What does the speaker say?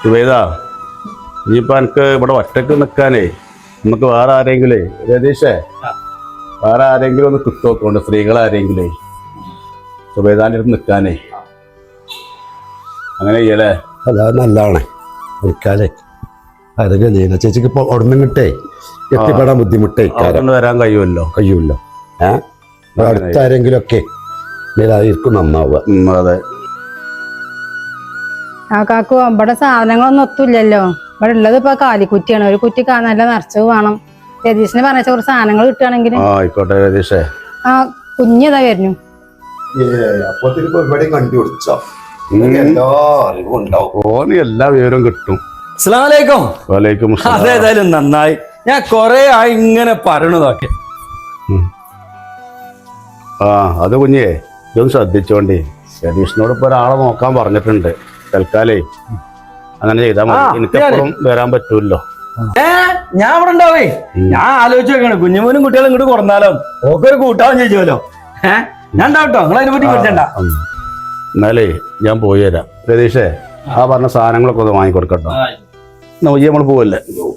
സുബൈദ ഇനിയിപ്പോൾ എനിക്ക് ഇവിടെ ഒറ്റക്ക് നിൽക്കാനേ നമുക്ക് വേറെ ആരെങ്കിലേ രതീഷേ വേറെ ആരെങ്കിലും ഒന്ന് കിട്ടുമോക്കൊണ്ട് സ്ത്രീകളാരെങ്കിലേ സുബൈദാൻ്റെ അടുത്ത് നിൽക്കാനേ അങ്ങനെ ചെയ്യലേ. അല്ല നല്ലതാണ് നിൽക്കാലേ. അതൊക്കെ ചെയ്യുന്ന ചേച്ചിക്ക് ഇപ്പോൾ ഉടനെ കിട്ടേ എത്തിപ്പെടാൻ ബുദ്ധിമുട്ടേ കൊണ്ട് വരാൻ കഴിയുമല്ലോ. അടുത്ത ആരെങ്കിലും ഒക്കെ ഇതായിരിക്കും നന്നാവുക. അതെ. ആ കാക്കു ഇവിടെ സാധനങ്ങളൊന്നും ഒത്തുമില്ലല്ലോ. ഇവിടെ ഉള്ളത് ഇപ്പൊ കാലിക്കുറ്റിയാണ്. ഒരു കുറ്റി നല്ല നിറച്ചത് വേണം. രതീഷിന് പറഞ്ഞ കുറച്ച് സാധനങ്ങൾ കിട്ടുകയാണെങ്കിൽ. ആയിക്കോട്ടെ രതീഷേ. ആ കുഞ്ഞതാ വരുന്നു. ഓന് എല്ലാ വിവരവും കിട്ടും. അസ്സലാമലൈക്കും. വലൈക്കും സലാം. അതേതായാലും നന്നായി. ഞാൻ കൊറേ ആയി ഇങ്ങനെ പറയണതൊക്കെ. ആ അത് കുഞ്ഞേ ഇതൊന്ന് ശ്രദ്ധിച്ചോണ്ടേ. രതീഷിനോട് ഇപ്പൊ ഒരാളെ നോക്കാൻ പറഞ്ഞിട്ടുണ്ട്. തൽക്കാലേ അങ്ങനെ ചെയ്താൽ മതി. എനിക്കെപ്പോഴും വരാൻ പറ്റൂല്ലോ. ഞാൻ ഇവിടെ ഉണ്ടാവേ. ഞാൻ ആലോചിച്ച് വെക്കണം കുഞ്ഞുമോനും കുട്ടികളും ഇങ്ങോട്ട് കൊടുന്നാലോ ഒക്കെ ഒരു കൂട്ടാവും ചോദിച്ചോലോ. ഞാൻ ഉണ്ടാവട്ടോ. നിങ്ങൾ അതിനെ പറ്റി പറ്റണ്ട. എന്നാലേ ഞാൻ പോയി തരാം. രതീഷേ ആ പറഞ്ഞ സാധനങ്ങളൊക്കെ ഒന്ന് വാങ്ങിക്കൊടുക്കട്ടോ. നമ്മൾ പോവല്ലേ.